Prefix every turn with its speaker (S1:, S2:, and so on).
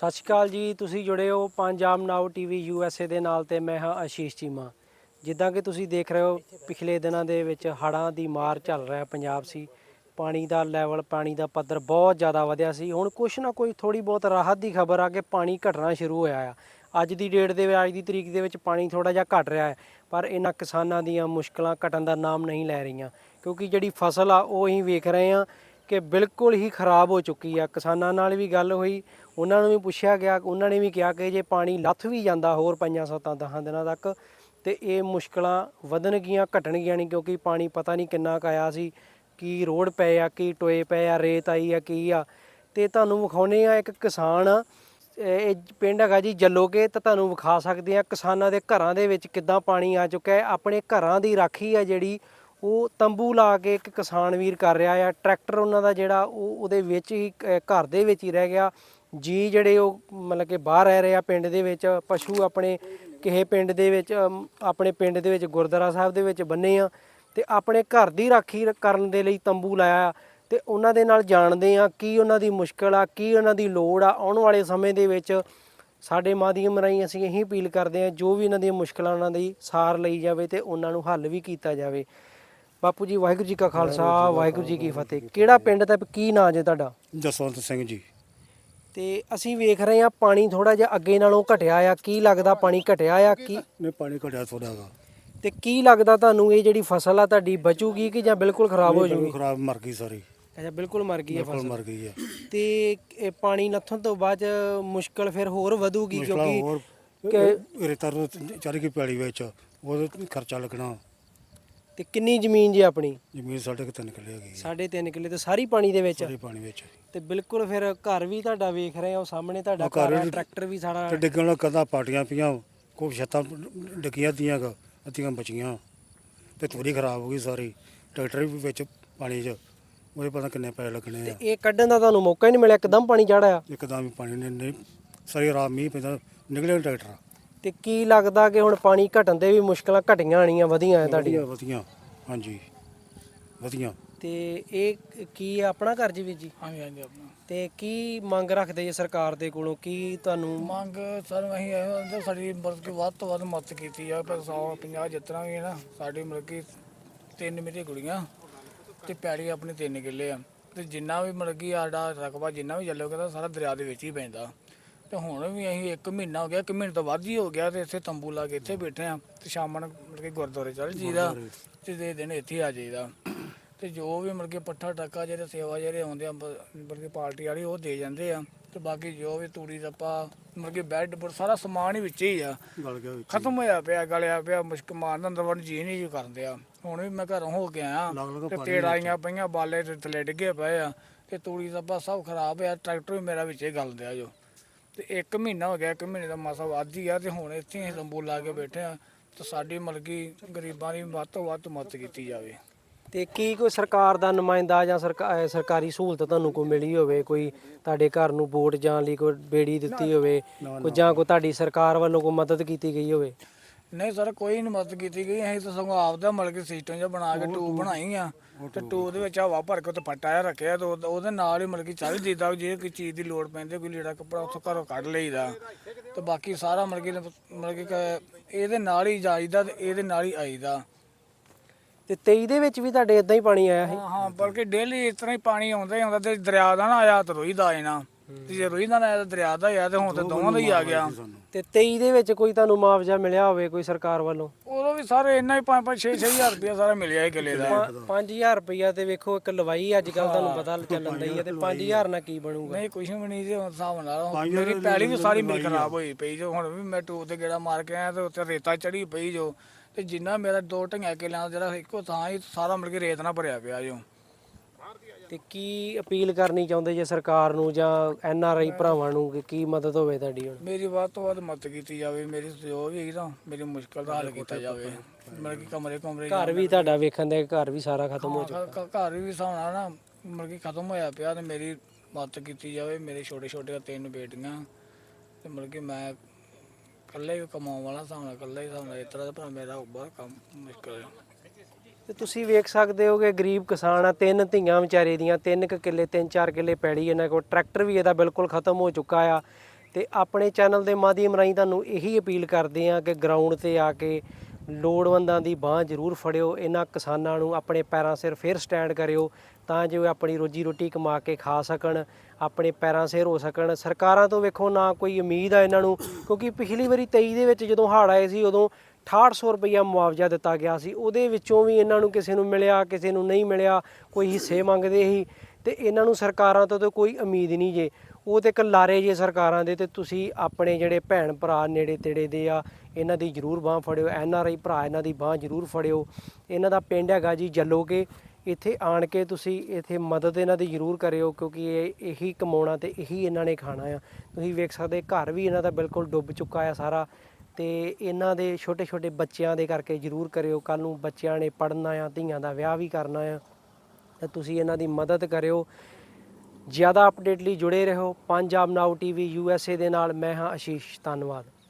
S1: ਸਤਿ ਸ਼੍ਰੀ ਅਕਾਲ ਜੀ। ਤੁਸੀਂ ਜੁੜੇ ਹੋ ਪੰਜਾਬ ਨਾਓ ਟੀਵੀ USA ਦੇ ਨਾਲ ਤੇ ਮੈਂ ਹਾਂ ਆਸ਼ੀਸ਼ ਚੀਮਾ। ਜਿੱਦਾਂ ਕਿ ਤੁਸੀਂ ਦੇਖ ਰਹੇ ਹੋ ਪਿਛਲੇ ਦਿਨਾਂ ਦੇ ਵਿੱਚ ਹੜ੍ਹਾਂ ਦੀ ਮਾਰ ਚੱਲ ਰਿਹਾ ਪੰਜਾਬ ਸੀ। ਪਾਣੀ ਦਾ ਲੈਵਲ, ਪਾਣੀ ਦਾ ਪੱਧਰ ਬਹੁਤ ਜ਼ਿਆਦਾ ਵਧਿਆ ਸੀ। ਹੁਣ ਕੁਛ ਨਾ ਕੋਈ ਥੋੜੀ ਬਹੁਤ ਰਾਹਤ ਦੀ ਖਬਰ ਆ ਕਿ ਪਾਣੀ ਘਟਣਾ ਸ਼ੁਰੂ ਹੋਇਆ ਆ। ਅੱਜ ਦੀ ਡੇਟ ਦੇ ਵਿੱਚ, ਅੱਜ ਦੀ ਤਰੀਕ ਦੇ ਵਿੱਚ ਪਾਣੀ ਥੋੜਾ ਜਿਹਾ ਘਟ ਰਿਹਾ ਹੈ, ਪਰ ਇਹਨਾਂ ਕਿਸਾਨਾਂ ਦੀਆਂ ਮੁਸ਼ਕਲਾਂ ਘਟਣ ਦਾ ਨਾਮ ਨਹੀਂ ਲੈ ਰਹੀਆਂ, ਕਿਉਂਕਿ ਜਿਹੜੀ ਫਸਲ ਆ ਉਹ ਅਸੀਂ ਵੇਖ ਰਹੇ ਹਾਂ ਕਿ ਬਿਲਕੁਲ ਹੀ ਖਰਾਬ ਹੋ ਚੁੱਕੀ ਆ। ਕਿਸਾਨਾਂ ਨਾਲ ਵੀ ਗੱਲ ਹੋਈ, ਉਹਨਾਂ ਨੂੰ ਵੀ ਪੁੱਛਿਆ ਗਿਆ, ਉਹਨਾਂ ਨੇ ਵੀ ਕਿਹਾ ਕਿ ਜੇ ਪਾਣੀ ਲੱਥ ਵੀ ਜਾਂਦਾ ਹੋਰ 5-7-10 ਦਿਨਾਂ ਤੱਕ ਤੇ ਇਹ ਮੁਸ਼ਕਲਾਂ ਵਧਣਗੀਆਂ ਘਟਣਗੀਆਂ ਨਹੀਂ, ਕਿਉਂਕਿ ਪਾਣੀ ਪਤਾ ਨਹੀਂ ਕਿੰਨਾ ਕੁ ਆਇਆ ਸੀ, ਕੀ ਰੋਡ ਪਏ ਆ, ਕੀ ਟੋਏ ਪਏ ਆ, ਰੇਤ ਆਈ ਆ, ਕੀ ਆ। ਤੇ ਤੁਹਾਨੂੰ ਵਿਖਾਉਂਦੇ ਆ ਇੱਕ ਕਿਸਾਨ, ਇਹ ਪਿੰਡ ਹੈਗਾ ਜੀ ਜੱਲੋਕੇ, ਤਾਂ ਤੁਹਾਨੂੰ ਵਿਖਾ ਸਕਦੇ ਆ ਕਿਸਾਨਾਂ ਦੇ ਘਰਾਂ ਦੇ ਵਿੱਚ ਕਿੱਦਾਂ ਪਾਣੀ ਆ ਚੁੱਕਾ ਹੈ। ਆਪਣੇ ਘਰਾਂ ਦੀ ਰਾਖੀ ਆ ਜਿਹੜੀ ਉਹ ਤੰਬੂ ਲਾ ਕੇ ਇੱਕ ਕਿਸਾਨ ਵੀਰ ਕਰ ਰਿਹਾ ਆ। ਟਰੈਕਟਰ ਉਹਨਾਂ ਦਾ ਜਿਹੜਾ ਉਹਦੇ ਵਿੱਚ ਹੀ ਘਰ ਦੇ ਵਿੱਚ ਹੀ ਰਹਿ ਗਿਆ। ਜੀ ਜਿਹੜੇ ਉਹ ਮਤਲਬ ਕਿ ਬਾਹਰ ਰਹਿ ਰਹੇ ਆ ਪਿੰਡ ਦੇ ਵਿੱਚ। ਪਸ਼ੂ ਆਪਣੇ ਕਿਸੇ ਪਿੰਡ ਦੇ ਵਿੱਚ, ਆਪਣੇ ਪਿੰਡ ਦੇ ਵਿੱਚ ਗੁਰਦੁਆਰਾ ਸਾਹਿਬ ਦੇ ਵਿੱਚ ਬੰਨੇ ਆ ਤੇ ਆਪਣੇ ਘਰ ਦੀ ਰਾਖੀ ਕਰਨ ਦੇ ਲਈ ਤੰਬੂ ਲਾਇਆ ਆ। ਤੇ ਉਹਨਾਂ ਦੇ ਨਾਲ ਜਾਣਦੇ ਆ ਕੀ ਉਹਨਾਂ ਦੀ ਮੁਸ਼ਕਲ ਆ, ਕੀ ਉਹਨਾਂ ਦੀ ਲੋੜ ਆ। ਆਉਣ ਵਾਲੇ ਸਮੇਂ ਦੇ ਵਿੱਚ ਸਾਡੇ ਮਾਧਿਅਮ ਰਾਹੀਂ ਅਸੀਂ ਇਹੀ ਅਪੀਲ ਕਰਦੇ ਹਾਂ, ਜੋ ਵੀ ਇਹਨਾਂ ਦੀਆਂ ਮੁਸ਼ਕਲਾਂ ਉਹਨਾਂ ਦੀ ਸਾਰ ਲਈ ਜਾਵੇ ਤੇ ਉਹਨਾਂ ਨੂੰ ਹੱਲ ਵੀ ਕੀਤਾ ਜਾਵੇ। ਬਾਪੂ ਜੀ, ਵਾਹਿਗੁਰੂ ਜੀ ਕਾ ਖਾਲਸਾ, ਵਾਹਿਗੁਰੂ ਜੀ ਕੀ ਫਤਿਹ। ਕਿਹੜਾ ਪਿੰਡ ਤੇ ਕੀ ਨਾਂ ਜੇ ਤੁਹਾਡਾ?
S2: ਜਸਵੰਤ ਸਿੰਘ ਜੀ।
S1: ਤੇ ਅਸੀਂ ਵੇਖ ਰਹੇ ਹਾਂ ਪਾਣੀ ਥੋੜਾ ਜਿਹਾ ਅੱਗੇ ਨਾਲੋਂ ਘਟਿਆ ਆ। ਕੀ ਲੱਗਦਾ ਪਾਣੀ ਘਟਿਆ ਆ? ਕੀ
S2: ਨਹੀਂ, ਪਾਣੀ ਘਟਿਆ ਥੋੜਾ ਹੈਗਾ।
S1: ਤੇ ਕੀ ਲੱਗਦਾ ਤੁਹਾਨੂੰ ਇਹ ਜਿਹੜੀ ਫਸਲ ਆ ਤੁਹਾਡੀ ਬਚੂਗੀ ਕਿ ਜਾਂ ਬਿਲਕੁਲ ਖਰਾਬ ਹੋ ਜਾਊਗੀ?
S2: ਖਰਾਬ ਮਰ ਗਈ ਸਾਰੀ।
S1: ਅੱਛਾ, ਬਿਲਕੁਲ ਮਰ ਗਈ ਹੈ
S2: ਬਿਲਕੁਲ
S1: ਫਸਲ।
S2: ਮਰ ਗਈ ਹੈ।
S1: ਤੇ ਇਹ ਪਾਣੀ ਲੱਥਣ ਤੋਂ ਬਾਅਦ ਮੁਸ਼ਕਲ ਫਿਰ ਹੋਰ ਵਧੂਗੀ,
S2: ਮੁਸ਼ਕਲਾਂ ਹੋਰ
S1: ਕਿਉਂਕਿ
S2: ਰੇਤਾ ਚੜ ਗਈ ਪੈਲੀ ਵਿੱਚ, ਉਹਦਾ ਖਰਚਾ ਲੱਗਣਾ।
S1: ਤੇ ਕਿੰਨੀ ਜ਼ਮੀਨ ਜੀ ਆਪਣੀ?
S2: ਜ਼ਮੀਨ ਸਾਡੇ ਕੋਲ 3 ਕਿੱਲੇ ਹੈਗੀ ਹੈ।
S1: 3.5 ਕਿੱਲੇ ਤੇ ਸਾਰੀ ਪਾਣੀ ਦੇ ਵਿੱਚ?
S2: ਸਾਰੇ ਪਾਣੀ ਵਿੱਚ।
S1: ਤੇ ਬਿਲਕੁਲ ਫਿਰ ਘਰ ਵੀ ਤੁਹਾਡਾ ਵੇਖ ਰਹੇ ਹੋ ਸਾਹਮਣੇ, ਤੁਹਾਡਾ ਘਰ ਆ, ਟਰੈਕਟਰ ਵੀ ਸਾਰਾ
S2: ਤੇ ਡਿੱਗਣ ਨਾਲ ਕੰਧਾਂ ਪਾਟੀਆਂ ਪਈਆਂ, ਕੋਈ ਛੱਤਾਂ ਡਿੱਗੀਆਂ ਦੀਆਂ, ਅੱਧੀਆਂ ਬਚੀਆਂ ਤੇ ਤੂੜੀ ਖਰਾਬ ਹੋ ਗਈ ਸਾਰੀ। ਟਰੈਕਟਰ ਵੀ ਵਿੱਚ ਪਾਣੀ 'ਚ, ਉਹਦੇ ਪਤਾ ਕਿੰਨੇ ਪੈਸੇ ਲੱਗਣੇ ਆ।
S1: ਇਹ ਕੱਢਣ ਦਾ ਤੁਹਾਨੂੰ ਮੌਕਾ ਹੀ ਨਹੀਂ ਮਿਲਿਆ? ਇੱਕਦਮ ਪਾਣੀ ਚੜ੍ਹਿਆ?
S2: ਇੱਕਦਮ ਹੀ ਪਾਣੀ ਨੇ ਨਹੀਂ, ਸਾਰੀ ਰਾਤ ਮੀਂਹ ਪੈਂਦਾ, ਨਿਕਲੇ ਟਰੈਕਟਰ।
S1: ਤੇ ਕੀ ਲੱਗਦਾ ਕਿ ਹੁਣ ਪਾਣੀ ਘਟਣ ਦੇ ਵੀ ਮੁਸ਼ਕਲਾਂ ਘਟੀਆਂ ਆਣੀਆਂ, ਵਧੀਆਂ ਤੁਹਾਡੀਆਂ?
S2: ਵਧੀਆ, ਹਾਂਜੀ ਵਧੀਆ।
S1: ਤੇ ਇਹ ਕੀ ਆ, ਆਪਣਾ ਘਰ ਜੀ ਵੀਰ ਜੀ?
S3: ਹਾਂਜੀ ਹਾਂਜੀ ਆਪਣਾ।
S1: ਤੇ ਕੀ ਮੰਗ ਰੱਖਦੇ ਜੀ ਸਰਕਾਰ ਦੇ ਕੋਲੋਂ? ਕੀ ਤੁਹਾਨੂੰ
S3: ਮੰਗ ਸਰ ਅਸੀਂ ਇਹੋ ਹੁੰਦੇ, ਸਾਡੀ ਮਤਲਬ ਕਿ ਵੱਧ ਤੋਂ ਵੱਧ ਮਦਦ ਕੀਤੀ ਜਾਵੇ। ਪਰ 150 ਜਿੱਤਣਾ ਵੀ ਹੈ ਨਾ, ਸਾਡੀ ਮਤਲਬ ਕਿ 3 ਮੇਰੀਆਂ ਕੁੜੀਆਂ ਤੇ ਪੈੜੀ ਆਪਣੀ 3 ਕਿੱਲੇ ਆ। ਤੇ ਜਿੰਨਾ ਵੀ ਮਤਲਬ ਕਿ ਸਾਡਾ ਰਕਬਾ ਜਿੰਨਾ ਵੀ ਚੱਲੋਗੇ ਤਾਂ ਸਾਰਾ ਦਰਿਆ ਦੇ ਵਿੱਚ ਹੀ ਪੈਂਦਾ। ਤੇ ਹੁਣ ਵੀ ਅਸੀਂ 1 ਮਹੀਨਾ ਹੋ ਗਿਆ, 1 ਮਹੀਨੇ ਤੋਂ ਵੱਧ ਹੀ ਹੋ ਗਿਆ, ਤੇ ਇੱਥੇ ਤੰਬੂ ਲਾ ਕੇ ਇੱਥੇ ਬੈਠੇ ਆ। ਤੇ ਸ਼ਾਮਾਂ ਨੂੰ ਮਤਲਬ ਕਿ ਗੁਰਦੁਆਰੇ ਚੱਲ ਜੀਦਾ ਤੇ ਦੇ ਦਿਨ ਇੱਥੇ ਆ ਜਾਈਦਾ। ਤੇ ਜੋ ਵੀ ਮਤਲਬ ਕਿ ਪੱਠਾ ਟੱਕਾ ਜਿਹੜੇ ਸੇਵਾ ਜਿਹੜੇ ਆਉਂਦੇ ਆ ਮਤਲਬ ਕਿ ਪਾਰਟੀ ਵਾਲੀ, ਉਹ ਦੇ ਜਾਂਦੇ ਆ। ਤੇ ਬਾਕੀ ਜੋ ਵੀ ਤੂੜੀ ਦੱਪਾ ਮਤਲਬ ਕਿ ਬੈੱਡ ਬੁੱਡ ਸਾਰਾ ਸਮਾਨ ਹੀ ਵਿੱਚ ਹੀ ਆ,
S2: ਗਲ ਗਿਆ ਵਿੱਚ।
S3: ਖਤਮ ਹੋਇਆ ਪਿਆ, ਗਲਿਆ ਪਿਆ। ਮੁਸ਼ਕ ਮਾਰਨ ਅੰਦਰ ਵੜ ਜੀ ਨਹੀਂ ਕਰਦੇ ਆ। ਹੁਣ ਵੀ ਮੈਂ ਘਰੋਂ ਹੋ ਕੇ ਆਇਆ ਤੇ ਪੇੜ ਆਈਆਂ ਪਈਆਂ, ਬਾਲੇ ਤੇ ਥੱਲੇ ਡਿੱਗੇ ਪਏ ਆ, ਤੇ ਤੂੜੀ ਦੱਪਾ ਸਭ ਖਰਾਬ ਆ। ਟਰੈਕਟਰ ਵੀ ਮੇਰਾ ਵਿੱਚ ਹੀ ਗਲਦਿਆ ਜੋ। ਤੇ 1 ਮਹੀਨਾ ਹੋ ਗਿਆ, 1 ਮਹੀਨੇ ਦਾ ਮਾਸਾ ਵੱਧ ਹੀ ਆ। ਤੇ ਹੁਣ ਇੱਥੇ ਅਸੀਂ ਤੰਬੂ ਲਾ ਕੇ ਬੈਠੇ ਆ। ਤੇ ਸਾਡੀ ਮਤਲਬ ਕਿ ਗਰੀਬਾਂ ਦੀ ਵੱਧ ਤੋਂ ਵੱਧ ਮਦਦ ਕੀਤੀ ਜਾਵੇ।
S1: ਤੇ ਕੀ ਕੋਈ ਸਰਕਾਰ ਦਾ ਨੁਮਾਇੰਦਾ ਜਾਂ ਸਰਕਾਰੀ ਸਹੂਲਤ ਤੁਹਾਨੂੰ ਕੋਈ ਮਿਲੀ ਹੋਵੇ? ਕੋਈ ਤੁਹਾਡੇ ਘਰ ਨੂੰ ਵੋਟ ਜਾਣ ਲਈ ਕੋਈ ਬੇੜੀ ਦਿੱਤੀ ਹੋਵੇ, ਕੋਈ ਜਾਂ ਕੋਈ ਤੁਹਾਡੀ ਸਰਕਾਰ ਵੱਲੋਂ ਕੋਈ ਮਦਦ ਕੀਤੀ ਗਈ ਹੋਵੇ?
S3: ਨਹੀਂ ਸਰ, ਕੋਈ ਨਹੀਂ ਮਦਦ ਕੀਤੀ ਗਈ। ਅਸੀਂ ਤਾਂ ਸਗੋਂ ਆਪਦਾ ਮਤਲਬ ਕਿ ਸਿਸਟਮ ਜਿਹਾ ਬਣਾ ਕੇ ਟੂਬ ਬਣਾਈ ਆ। ਤੇ ਟੂਬ ਦੇ ਵਿੱਚ ਹਵਾ ਭਰ ਕੇ ਉੱਤੇ ਪੱਟਾ ਜਿਹਾ ਰੱਖਿਆ, ਤੇ ਉਹਦੇ ਨਾਲ ਹੀ ਮਤਲਬ ਕਿ ਚੱਲ ਜੀਦਾ। ਜੇ ਕੋਈ ਚੀਜ਼ ਦੀ ਲੋੜ ਪੈਂਦੀ, ਕੋਈ ਲੀੜਾ ਕੱਪੜਾ ਉੱਥੋਂ ਘਰੋਂ ਕੱਢ ਲਈਦਾ। ਤੇ ਬਾਕੀ ਸਾਰਾ ਮਤਲਬ ਕਿ ਇਹਦੇ ਨਾਲ ਹੀ ਜਾਈਦਾ ਤੇ ਇਹਦੇ ਨਾਲ ਹੀ ਆਈਦਾ।
S1: ਤੇ 23 ਦੇ ਵਿੱਚ ਵੀ ਤੁਹਾਡੇ ਇਦਾਂ ਹੀ ਪਾਣੀ ਆਇਆ ਸੀ?
S3: ਹਾਂ, ਬਲਕਿ ਡੇਲੀ ਇਸ ਤਰ੍ਹਾਂ ਹੀ ਪਾਣੀ ਆਉਂਦਾ ਹੀ ਆਉਂਦਾ। ਤੇ ਦਰਿਆ ਦਾ ਨਾ ਆਇਆ ਤੇ ਰੋਈ ਦਾ ਆਏ ਨਾ, ਤੇ ਜੇ ਰੋਈ ਦਾ ਨਾ ਆਇਆ ਤਾਂ ਦਰਿਆ ਦਾ ਆਇਆ। ਤੇ ਹੁਣ ਤੇ ਦੋਵਾਂ ਦਾ ਹੀ ਆ ਗਿਆ।
S1: ਤੇ 23 ਦੇ ਵਿੱਚ ਕੋਈ ਤੁਹਾਨੂੰ ਮੁਆਵਜ਼ਾ ਮਿਲਿਆ ਹੋਵੇ ਕੋਈ ਸਰਕਾਰ ਵੱਲੋਂ?
S3: ਉਦੋਂ ਵੀ ਸਾਰੇ ਇੰਨਾ ਹੀ 5-5 6-6 ਹਜ਼ਾਰ ਰੁਪਇਆ ਸਾਰਾ ਮਿਲਿਆ ਹੀ ਕਿੱਲੇ ਦਾ।
S1: 5000 ਰੁਪਇਆ ਤੇ ਵੇਖੋ ਇੱਕ ਲਵਾਈ ਅੱਜ ਕੱਲ ਤੁਹਾਨੂੰ ਪਤਾ ਚੱਲਣ ਦਈ ਹੈ। ਤੇ 5000 ਨਾਲ ਕੀ ਬਣੂਗਾ?
S3: ਨਹੀਂ, ਕੁਛ ਵੀ ਨਹੀਂ ਜੀ ਹੁਣ ਹਿਸਾਬ ਨਾਲ। ਮੇਰੀ ਪੈਲੀ ਵੀ ਸਾਰੀ ਮੇਰੀ ਖਰਾਬ ਹੋਈ ਪਈ ਜੋ। ਹੁਣ ਵੀ ਮੈਂ ਟੂਬ ਤੇ ਗੇੜਾ ਮਾਰ ਕੇ ਆਇਆ ਤੇ ਉੱਤੇ ਰੇਤਾ ਚੜੀ ਪਈ ਜੋ। ਤੇ ਜਿੰਨਾ ਮੇਰਾ 2 ਕਿੱਲਿਆਂ ਦਾ ਜਿਹੜਾ ਇੱਕੋ ਥਾਂ ਹੀ ਸਾਰਾ ਮਿਲ ਕੇ ਰੇਤ ਨਾਲ ਭਰਿਆ ਪਿਆ ਜੋ।
S1: ਤੇ ਕੀ ਅਪੀਲ ਕਰਨੀ ਚਾਹੁੰਦੇ ਜੇ ਸਰਕਾਰ ਨੂੰ ਜਾਂ NRI ਭਰਾਵਾਂ ਨੂੰ ਕਿ ਕੀ ਮਦਦ ਹੋਵੇ ਤੁਹਾਡੀ? ਹੁਣ
S3: ਮੇਰੀ ਵੱਧ ਤੋਂ ਵੱਧ ਮਦਦ ਕੀਤੀ ਜਾਵੇ। ਮੇਰੀ ਜੋ ਵੀ ਹੈਗੀ ਤਾਂ ਮੇਰੀ ਮੁਸ਼ਕਲ ਦਾ ਹੱਲ ਕੀਤਾ ਜਾਵੇ। ਮਤਲਬ ਕਿ ਕਮਰੇ
S1: ਘਰ ਵੀ ਤੁਹਾਡਾ ਵੇਖਣ ਦੇ ਘਰ ਵੀ ਸਾਰਾ ਖਤਮ ਹੋ ਚੁੱਕਾ?
S3: ਘਰ ਵੀ ਹਿਸਾਬ ਨਾਲ ਨਾ ਮਤਲਬ ਕਿ ਖਤਮ ਹੋਇਆ ਪਿਆ। ਤੇ ਮੇਰੀ ਮਦਦ ਕੀਤੀ ਜਾਵੇ। ਮੇਰੇ ਛੋਟੇ 3 ਬੇਟੀਆਂ, ਤੇ ਮਤਲਬ ਕਿ ਮੈਂ ਇਕੱਲਾ ਹੀ ਕਮਾਉਣ ਵਾਲਾ ਹਿਸਾਬ ਨਾਲ, ਇਕੱਲਾ ਹੀ ਹਿਸਾਬ ਨਾਲ ਇਸ ਤਰ੍ਹਾਂ ਦਾ ਮੇਰਾ ਬਹੁਤ ਕੰਮ ਮੁਸ਼ਕਲ ਹੈ।
S1: ਤੇ ਤੁਸੀਂ ਵੇਖ ਸਕਦੇ ਹੋ ਕਿ ਗਰੀਬ ਕਿਸਾਨ ਆ, 3 ਧੀਆਂ ਵਿਚਾਰੇ ਦੀਆਂ, 3 ਕਿੱਲੇ 3-4 ਕਿੱਲੇ ਪੈੜੀ ਇਹਨਾਂ ਕੋਲ। ਟਰੈਕਟਰ ਵੀ ਇਹਦਾ ਬਿਲਕੁਲ ਖਤਮ ਹੋ ਚੁੱਕਾ ਆ। ਤੇ ਆਪਣੇ ਚੈਨਲ ਦੇ ਮਾਧਿਅਮ ਰਾਹੀਂ ਤੁਹਾਨੂੰ ਇਹੀ ਅਪੀਲ ਕਰਦੇ ਹਾਂ ਕਿ ਗਰਾਊਂਡ ਤੇ ਆ ਕੇ ਲੋੜਵੰਦਾਂ ਦੀ ਬਾਂਹ ਜ਼ਰੂਰ ਫੜਿਓ, ਇਹਨਾਂ ਕਿਸਾਨਾਂ ਨੂੰ ਆਪਣੇ ਪੈਰਾਂ ਸਿਰ ਫਿਰ ਸਟੈਂਡ ਕਰਿਓ ਤਾਂ ਜੋ ਇਹ ਆਪਣੀ ਰੋਜੀ ਰੋਟੀ ਕਮਾ ਕੇ ਖਾ ਸਕਣ, ਆਪਣੇ ਪੈਰਾਂ ਸਿਰ ਹੋ ਸਕਣ। ਸਰਕਾਰਾਂ ਤੋਂ ਵੇਖੋ ਨਾ ਕੋਈ ਉਮੀਦ ਆ ਇਹਨਾਂ ਨੂੰ, ਕਿਉਂਕਿ ਪਿਛਲੀ ਵਾਰੀ 23 ਦੇ ਵਿੱਚ ਜਦੋਂ ਹੜ੍ਹ ਆਏ ਸੀ ਉਦੋਂ 6800 ਰੁਪਈਆ ਮੁਆਵਜ਼ਾ ਦਿੱਤਾ ਗਿਆ ਸੀ, ਉਹਦੇ ਵਿੱਚੋਂ ਵੀ ਇਹਨਾਂ ਨੂੰ ਕਿਸੇ ਨੂੰ ਮਿਲਿਆ ਕਿਸੇ ਨੂੰ ਨਹੀਂ ਮਿਲਿਆ, ਕੋਈ ਹਿੱਸੇ ਮੰਗਦੇ ਸੀ ਤੇ ਇਹਨਾਂ ਨੂੰ ਸਰਕਾਰਾਂ ਤੋਂ ਤਾਂ ਕੋਈ ਉਮੀਦ ਨਹੀਂ ਜੇ, ਉਹ ਤੇ ਇੱਕ ਲਾਰੇ ਜੇ ਸਰਕਾਰਾਂ ਦੇ। ਤੇ ਤੁਸੀਂ ਆਪਣੇ ਜਿਹੜੇ ਭੈਣ ਭਰਾ ਨੇੜੇ ਤੇੜੇ ਦੇ ਆ ਇਹਨਾਂ ਦੀ ਜ਼ਰੂਰ ਬਾਂਹ ਫੜਿਓ, NRI ਭਰਾ ਇਹਨਾਂ ਦੀ ਬਾਂਹ ਜ਼ਰੂਰ ਫੜਿਓ। ਇਹਨਾਂ ਦਾ ਪਿੰਡ ਹੈਗਾ ਜੀ ਜੱਲੋਕੇ, ਇੱਥੇ ਆਣ ਕੇ ਤੁਸੀਂ ਇੱਥੇ ਮਦਦ ਇਹਨਾਂ ਦੀ ਜ਼ਰੂਰ ਕਰਿਓ ਕਿਉਂਕਿ ਇਹ ਇਹੀ ਕਮਾਉਣਾ ਤੇ ਇਹੀ ਇਹਨਾਂ ਨੇ ਖਾਣਾ ਆ। ਤੁਸੀਂ ਵੇਖ ਸਕਦੇ ਘਰ ਵੀ ਇਹਨਾਂ ਦਾ ਬਿਲਕੁਲ ਡੁੱਬ ਚੁੱਕਾ ਆ ਸਾਰਾ, ਤੇ ਇਹਨਾਂ ਦੇ ਛੋਟੇ ਛੋਟੇ ਬੱਚਿਆਂ ਦੇ ਕਰਕੇ ਜ਼ਰੂਰ ਕਰਿਓ, ਕੱਲ ਨੂੰ ਬੱਚਿਆਂ ਨੇ ਪੜ੍ਹਨਾ ਆ, ਧੀਆਂ ਦਾ ਵਿਆਹ ਵੀ ਕਰਨਾ ਆ, ਤਾਂ ਤੁਸੀਂ ਇਹਨਾਂ ਦੀ ਮਦਦ ਕਰਿਓ। ਜ਼ਿਆਦਾ ਅਪਡੇਟ ਲਈ ਜੁੜੇ ਰਹੋ ਪੰਜਾਬ ਨਾਓ TV USA ਦੇ ਨਾਲ। ਮੈਂ ਹਾਂ ਆਸ਼ੀਸ਼, ਧੰਨਵਾਦ।